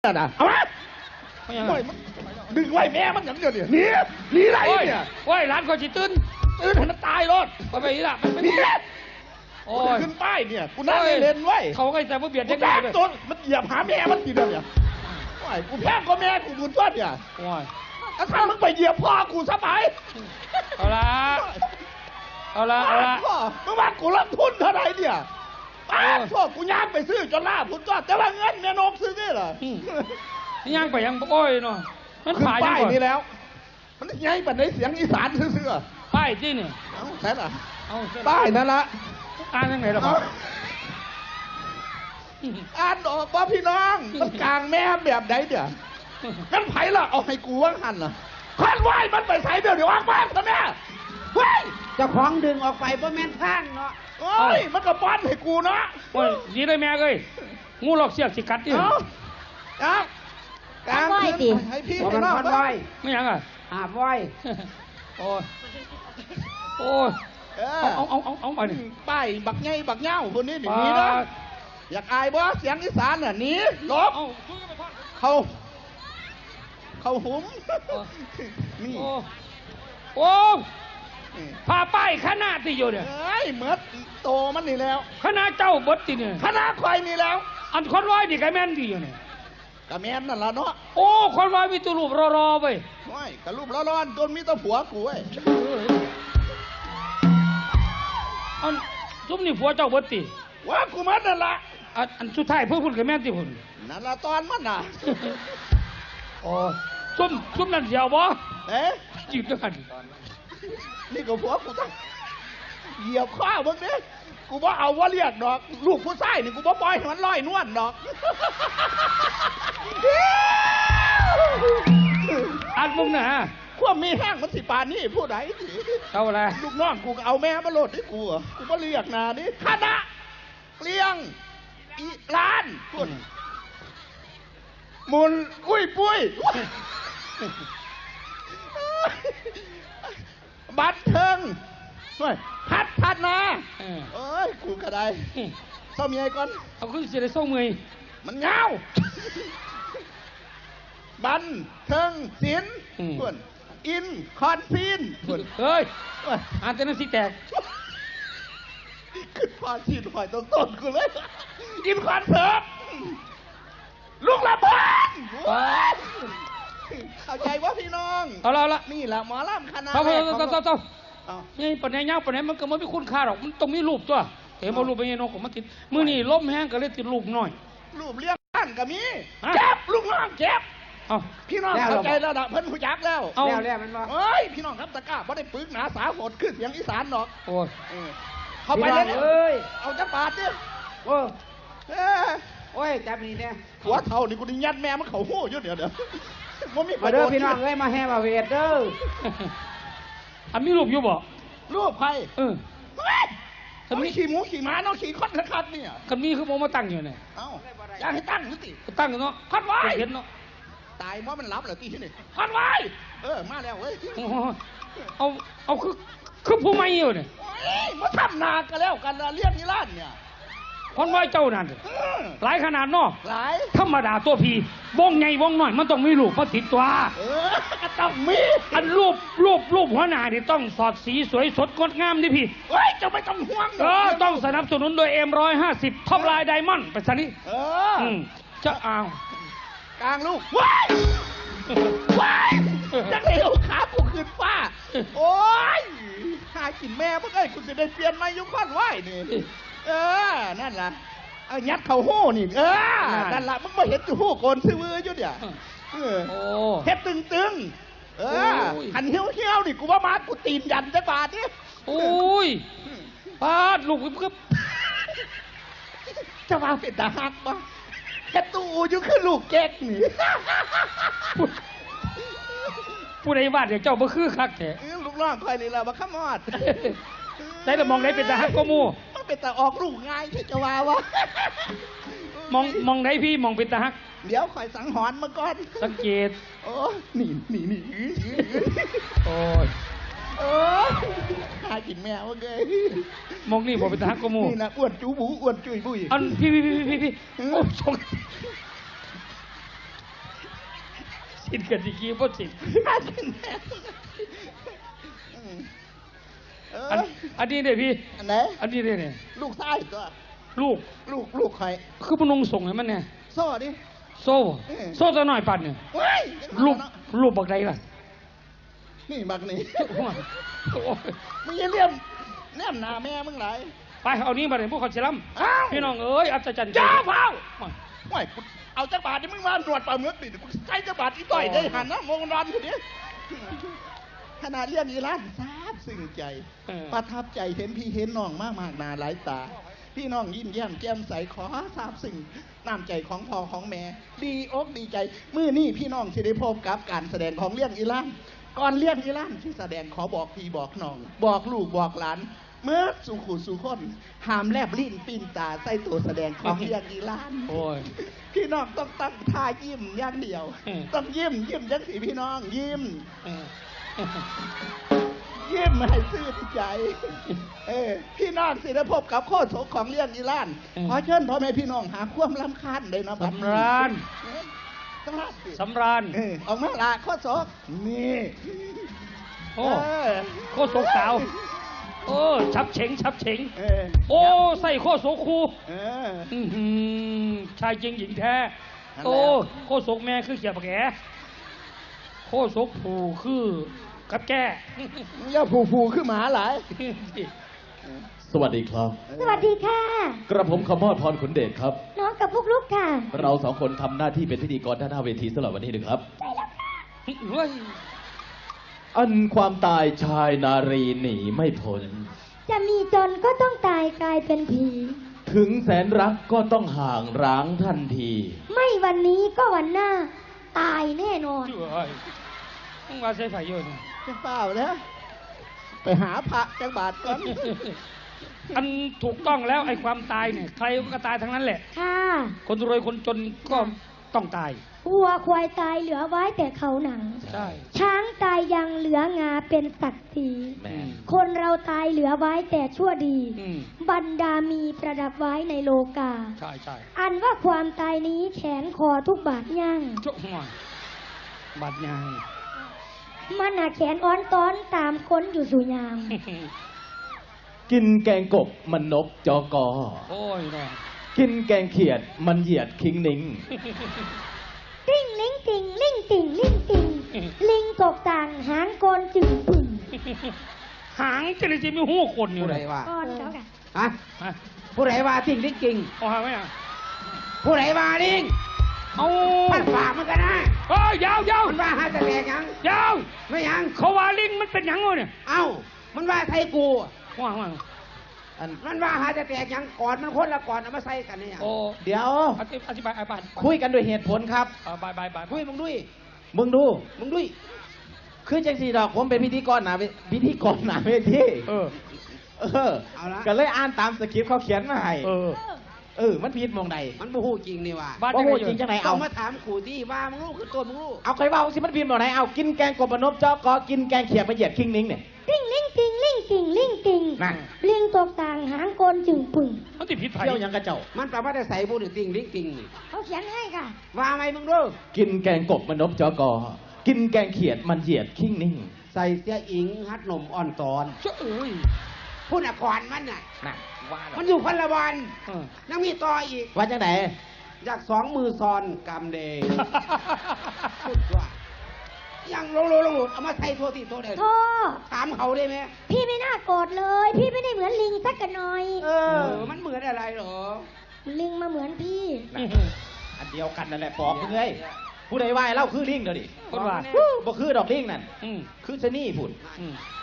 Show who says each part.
Speaker 1: น่ะเอาไหมดึงไว้แม่มันอย่างเดียวเนี่ยหนีไรเนี่ย
Speaker 2: โอ้ยร้านก็จิตื่น
Speaker 1: ให้มันตายรถ
Speaker 2: ไปไปนี่ละมันไม่
Speaker 1: โอ้ยขึ้นป้ายเนี่ยกูนั่งเล่นไว้
Speaker 2: เขาก็จะมาเบียด
Speaker 1: ยังไงตัวมันเหยียบหาแม่มันทีเดียวเนี่ยโอ้ยกูแพ้ก็แม่กูบุญต้นเนี่ย
Speaker 2: โอ้ย
Speaker 1: ถ้ามึงไปเหยียบพ่อกูซะไป
Speaker 2: เอาละ
Speaker 1: มึงว่ากูรับทุนเท่าไหร่เนี่ยพ่อกูย่างไปซื้อจนล่าพุ่นก็แต่ว่าเงินแม่นกซื้อนี่เหร
Speaker 2: นี่ย่างไปยังโอ้ยเนาะ
Speaker 1: มันป้ายนี่แล้วมันยังปัดในเสียงอีสานซื่อ
Speaker 2: ป้ายที่นี่
Speaker 1: ใช่หรอป้ายนั่นละ
Speaker 2: อ่านยังไงล่ะพ่อ
Speaker 1: อ่านออกว่าพี่น้องมันกลางแม่แบบไหนเดี๋ยวงั้นไผ่ละเอาให้กูว่างหันล่ะควันไหวมันไปใส่เดี๋ยวว่างบ้านซะแม่เฮ้ย
Speaker 3: จะคล้องดึงออกไปเพราะแม่นข้างเนาะ
Speaker 1: โอ้ยมันก็ป้อนให้กูเนาะ
Speaker 2: โอ้ยดีเลยแม่เลยงูหลอกเสียกสิกัดดิ
Speaker 1: ครับกลางคืนให้พี่ให้น้อง
Speaker 2: ไม่ยังอ่ะ
Speaker 3: ไว้
Speaker 2: โอ้ยเอาไปดิ
Speaker 1: ป้ายบักไงบักเง่าคนนี้หนีนะอยากอายบ่เสียงอีสานน่ะหนีลบเขาหุมนี่
Speaker 2: โอ้พาป้ายคณะที่อยู่เนี่ย
Speaker 1: เอ้ยเหมือนโตมันนี่แล้ว
Speaker 2: คณะเจ้าบดที่เนี่ย
Speaker 1: คณะควายนี่แล้ว
Speaker 2: อันคนร้อยนี่กะแม่นดีอยู่เนี่ย
Speaker 1: กะแม่นนั่นละเนาะ
Speaker 2: โอ้คนร้อยมีตัวรูปรอไป
Speaker 1: ไม่กะรูปร้อนๆจนมีตัวผัวกูไอ้
Speaker 2: อันซุ่มนี่ผัวเจ้าบดตี
Speaker 1: ว่ากูมันนั่นละ
Speaker 2: อันสุดท้ายเพื่อคุณกะแม่นที่คุณ
Speaker 1: นั่นละตอนมันน่ะ
Speaker 2: โอ้ซุ่มนั่นเสียวบ่จีบด้วยกัน
Speaker 1: นี่ก็ผัวกูต้องเหยียบข้าวมึงเนี่ยกูบ่เอาว่าเรียกดอกลูกผู้ชายนี่กูบ่ปล่อยให้มันลอยนวลดอก
Speaker 2: อันมึงนะ
Speaker 1: ความมีแห้งมันสิปานนี่ผู้ใด
Speaker 2: เอาอะไร
Speaker 1: ลูกน้องกูเอาแม่มาโหลดให้กูกูบ่เรียกนานี่คณะเกลียงอีร้านคุณมุนอุ้ยปุ้ยบัตรเทิงพัดนาเอ้ยกูก็ได้เศร้าเมียก่อน
Speaker 2: เอาขึ้นเสียได้ส่งมือ
Speaker 1: มันเงาบันเทิงศิลป์คุณอินคอนซีนคุณ
Speaker 2: เฮ้ยอ่านแต่นั้นสิแตก
Speaker 1: ขึ้นพาชีนหอยต้นกูเลยอินคอนเสิร์ตลูกละบอนเข้าใจว่าพี่น้อง
Speaker 2: เอาละ
Speaker 1: นี่แหละหมอลำคณะ
Speaker 2: นี่ปนไหนยาวปนไหนมันก็ไม่คุ้นค่าหรอกมันต้องมีรูปตัวเห็นมารูปเป็นยังนกของมันติดมือนี่ล้มแห้งก็เลยติดรูปหน่อย
Speaker 1: รูปเลี้ยงบ้านก็มีเจ็บลูกน้องเจ็บพี่น้องเข้าใจแล้วนะเพิ่นผู้ยักแล้ว
Speaker 3: มันว่า
Speaker 1: เฮ้ยพี่น้องครับตะก้าเพราะได้ปึกหนาสาโหดขึ้นเสียงอีสานหรอก
Speaker 2: โอ้ย
Speaker 1: เข้าไปเลยเอาจับบาดเนี่ย
Speaker 3: โอ้ยจับนี่เนี่ย
Speaker 1: หัวเท่านี่กูนี่ยัดแม่มันเข่าหู้เยอะเดี๋ยว
Speaker 3: มาเด้อพี่น้องเลยมาแห่มาเวทเด้อ
Speaker 2: อันมีรูปอยู่บ่
Speaker 1: รูปใครคันมีขี่หมูขี่ม้าเนาะขี่คอนคัดเนี่ย
Speaker 2: คันมีคือโมมาตั้งอยู่เนี่ย
Speaker 1: อยากให้ตั้งหรือติ
Speaker 2: ตั้งเนาะ
Speaker 1: คัดไว้
Speaker 2: เห็นเนาะ
Speaker 1: ตายว่ามันรับเหรอตีที่นี่คัดไว้มาแล้วเว้ย
Speaker 2: เอาคือผู้ไม่อยู่เนี่ย
Speaker 1: มาทำนากันแล้วกันเรียกนิรันดร์เนี่ย
Speaker 2: คนไว้เจ้านั่นหลายขนาดเนาะ
Speaker 1: หลาย
Speaker 2: ธรรมดาตัวพีวงใหญ่วงน้อยมันต้องมีรูปมาติดตัว
Speaker 1: ก็ต้องมี
Speaker 2: อันรูปหัวหน้านี่ต้องสอดสีสวยสดงดงามดิพี่
Speaker 1: เฮ้ยจะไม่ต้องห่วง
Speaker 2: ต้องสนับสนุนโดยM150ท็อปไลน์ไดมอนด์ไปซะนี่จะเอา
Speaker 1: กลางลูกว้ายจะเลี้ยวขากูขึ้นฟ้าโอ้ยหากินแม่เมื่อไงคุณจะได้เปลี่ยนมายุคอนไหวนี่นั่นล่ะยัดเข่าหู้นี่นั่นล่ะมึงมาเห็นจูหู้โกนซื้อมืออยู่เนี่ยเฮ็ดตึงหันเหี้ยวนี่กูว่ามากูตีนยันจะบาดนี่
Speaker 2: โอ้ยบาดลูกกึบ
Speaker 1: จะมาเป็นตาหักปะเฮ็ดตู้อยู่คือลูกแก๊กนี่
Speaker 2: ผู้ใดบาดเดี๋ยวเจ้าบ่คือคักแท้
Speaker 1: ลูกน้องคอยนี่แหละมาขมอด
Speaker 2: ได้แต่มองได้เป็นตาฮักก็มู
Speaker 1: เป็นตาออกลูกง่ายที่จะว่าวะ
Speaker 2: มองได้พี่มองเป็นตาฮัก
Speaker 1: เดี๋ยวคอยสังหรณ์มาก่อน
Speaker 2: สังเกต
Speaker 1: โอ้นี่
Speaker 2: โอ้ย
Speaker 1: หากินแมวเกย
Speaker 2: มองนี่บอกเป็นตาฮักก็มู
Speaker 1: นี่นะอ้วนจูบูอ้วนจุยบุย
Speaker 2: อันพี่โอ้ชงสินกับสิกี้บ่สิน
Speaker 1: ฆ่ากินแม่เออ
Speaker 2: อันนี้เนี่ยพี่
Speaker 1: อันไหน
Speaker 2: อันนี้เนี่ย
Speaker 1: ลูกชายตัว
Speaker 2: ลูก
Speaker 1: ลูกใคร
Speaker 2: คือพนุงส่งให้มันเนี่ย
Speaker 1: โซ่ดิ
Speaker 2: โซ่โซ่จะหน่อยปันเนี่ย
Speaker 1: เฮ้ย
Speaker 2: ลูกบักใดล่ะ
Speaker 1: นี่บักนี่
Speaker 2: โอ้ย
Speaker 1: มึงอย่าเลี่ยมแนมหน้าแม่มึงไหล
Speaker 2: ไปเอานี้มาเลยพวกเขาเชลัม
Speaker 1: อ้าว
Speaker 2: พี่น้องเอ้ยอัศจรรย์
Speaker 1: จ้าเฝ้า
Speaker 2: มา
Speaker 1: โอ้ยกูเอาจักรบาทที่มึงมาตรวจปลาเมือกดิกูใช้จักรบาทอีต่อยได้หันนะมองรันคนนี้ขนาดเรียนอีร้านซาบซึ้งใจ ประทับใจเห็นพี่เห็นน้องมากนาหลายตา พี่น้องยิ้มแย้มแจ่มใสขอซาบซึ้งน้ำใจของพ่อของแม่ ดีอกดีใจมื้อนี้พี่น้องสิได้พบกับการแสดงของเรื่องอีร้านก่อนเรื่องอีร้านที่แสดงขอบอกพี่บอกน้อง บอกลูกบอกหลาน เมื่อสู่ขู่สู่คนหามแลบลิ้นปิ้นตาใส่ตัวแสดงของเรื่องอีร้าน
Speaker 2: โอ้ย
Speaker 1: พี่น้องต้องตั้งท่ายิ้มอย่างเดียว ต้องยิ้มจังสีพี่น้องยิ้ม ยิ้มให้ซื่นใจ พี่น้องสิได้พบกับโคตรโสของเรื่องอีร้าน ขอเชิญพ่อแม่พี่น้องหาความรำคาญเลยนะบัดนี้
Speaker 2: สำราญ
Speaker 1: สำราญสิ
Speaker 2: สำราญ
Speaker 1: ออกมาละโคตรโสนี่
Speaker 2: โอ้โคตรโศกสาวโอ้ชับเฉงชับเฉง
Speaker 1: เออ
Speaker 2: โอ้ใส่โคตรโศกคู
Speaker 1: เออ
Speaker 2: อื้อหือชายจริงหญิงแท้
Speaker 1: นั่นแหละ
Speaker 2: โอ้โคตรโศกแม่คือเขียบแก่โคตรโศกผูคือกับแก่
Speaker 1: อย่าผูขึ้นหมาหลาย
Speaker 4: สวัสดีครับ
Speaker 5: สวัสดีค่ะ
Speaker 4: กระผมขมอดพรขุนเดชครับ
Speaker 5: น้องกับพวกลูกค่ะ
Speaker 4: เราสองคนทำหน้าที่เป็นพิธีกรด้านหน้าเวทีสำหรับวันนี้นะครับ
Speaker 2: เฮ้ย
Speaker 4: อันความตายชายนารีหนีไม่พ้น
Speaker 5: จะมีจนก็ต้องตายกลายเป็นผี
Speaker 4: ถึงแสนรักก็ต้องห่างร้างทันที
Speaker 5: ไม่วันนี้ก็วันหน้า ตายแน่นอน
Speaker 2: เฮ้ยมึงว่าใส่ไฟเยอะนี่
Speaker 1: จะเปล่าแล้วไปหาพระจังบาทก่อน
Speaker 2: อันถูกต้องแล้วไอ้ความตายเนี่ยใครก็ตายทั้งนั้นแหละ
Speaker 5: ค่ะ
Speaker 2: คนรวยคนจนก็ต้องตาย
Speaker 5: วัวควายตายเหลือไว้แต่เขาหนัง
Speaker 2: ใช่
Speaker 5: ช้างตายยังเหลืองาเป็นศักดิ์ศรี
Speaker 4: แม่
Speaker 5: คนเราตายเหลือไว้แต่ชั่วดี
Speaker 2: อืม
Speaker 5: บรรดามีประดับไว้ในโลกา
Speaker 2: ใช่ใช่
Speaker 5: อันว่าความตายนี้แขนคอทุกบาทย่าง
Speaker 2: จุ๊หัวบาดใหญ่
Speaker 5: มันหาแขนอ้อนต้อนตามค้นอยู่สุยาม
Speaker 4: กินแกงกบมันนกจอกอ
Speaker 2: โอ้ยแน่
Speaker 4: กินแกงเขียดมันเหยียดคิงนิง
Speaker 5: ติ่งลิงติ่งลิงติ่งลิงติ่งลิงตกต่างหางโกนจึงปึ่ง
Speaker 2: หางจะเลยจะมีหูคนอยู่
Speaker 3: ผู้
Speaker 2: เล
Speaker 3: ใด
Speaker 2: ย
Speaker 3: ว่า
Speaker 5: ก้อนเขาค่ะ
Speaker 3: ฮะ
Speaker 2: ฮะ
Speaker 3: ผู้ใดว่าสิ่งที่จริง
Speaker 2: เอาหางไหมอ่ะ
Speaker 3: ผู้ใดว่าลิง
Speaker 2: เอา
Speaker 3: มันฝากมันกันนะ
Speaker 2: เอ้ยยาวยาว
Speaker 3: มันว่าหาแต่แตกยัง
Speaker 2: ยาว
Speaker 3: ไม่ยัง
Speaker 2: เขาว่าลิงมันเป็นหยังวะเนี่ย
Speaker 3: เอ้า มันว่าไทยกู
Speaker 2: ว่าง
Speaker 3: อันมันว่าหาแต่แตกยังก่อนมันคนละก่อนเอามาใส่กันเนี่ย
Speaker 2: โอ้
Speaker 3: เดี๋ยว
Speaker 2: อธิบายอธิบาย
Speaker 3: คุยกันด้วยเหตุผลครับ
Speaker 2: บายบายบาย
Speaker 3: คุยมึงด้วยมึงด้วยคือจังสีดอกผมเป็นพิธีกรหนาเวที
Speaker 2: เออ
Speaker 3: เอาละ
Speaker 4: ก็เลยอ่านตามสคริปต์เขาเขียนมาให้
Speaker 3: มันผิดมองใดมันบ่ฮู้จริงนี่ว่า
Speaker 2: บ้าน
Speaker 4: ว่า
Speaker 2: จะ
Speaker 4: โห
Speaker 2: ไงอยู่
Speaker 4: จริงจังไหน
Speaker 3: เอา
Speaker 4: เอา
Speaker 3: มาถามขู่ที่ว่ามึงรู้คือตัวมึงรู้
Speaker 4: เอาใครว่าสิมันพิมพ์บอกไหนเอากินแกงกบมันนกจอกอกินแกงเขียดมันเหยียดคิงนิงเนี่ย
Speaker 5: ติ่งลิงติ่งลิงติ่งลิงติ่ง
Speaker 4: นั่น
Speaker 5: ลิงตกต่างหางโกนจึงปึ่ง
Speaker 2: มันติดผิดไผ่
Speaker 4: เที่ยวหยังกระเจ้า
Speaker 3: มันแปลว่าได้ใส่บูดติ่งลิงติ่งนี่
Speaker 5: เขาเขียนให้ค่ะ
Speaker 3: ว่าไหมมึงรู้
Speaker 4: กินแกงกบมันนกจอกอกินแกงเขียดมันเหยียดคิงนิง
Speaker 3: ใส่เสียอิงฮัดนมอ่อนตอน
Speaker 2: เจ้าเอ้ย
Speaker 3: พูดอ่ะก่อนมันน่ะ
Speaker 4: น่ะว่าแล้ว
Speaker 3: มันอยู่คนละวัน
Speaker 2: เออ
Speaker 3: ยังมีต่ออีก
Speaker 4: ว่าจังไหน
Speaker 3: อยากสองมือซอนกำเดย์พูดว่ายังลงเอามาใส่โทษทีโทษเด่น
Speaker 5: โทษ
Speaker 3: ถามเขาได้ไหม
Speaker 5: พี่ไม่น่าโกรธเลย พี่ไม่ได้เหมือนลิงสักกันหน่อย
Speaker 3: มันเหมือนอะไรเหรอ
Speaker 5: ลิงมาเหมือนพี่
Speaker 4: อันเดียวกันนั่นแหละปอบมึงเลยผู้ใดว่าให้เล่าคือลิงเดี๋ยวดิ
Speaker 2: คนว่า
Speaker 4: บ่คือดอกลิงนั่น
Speaker 2: อืม
Speaker 4: คือชะนี่พุ่น
Speaker 2: อืม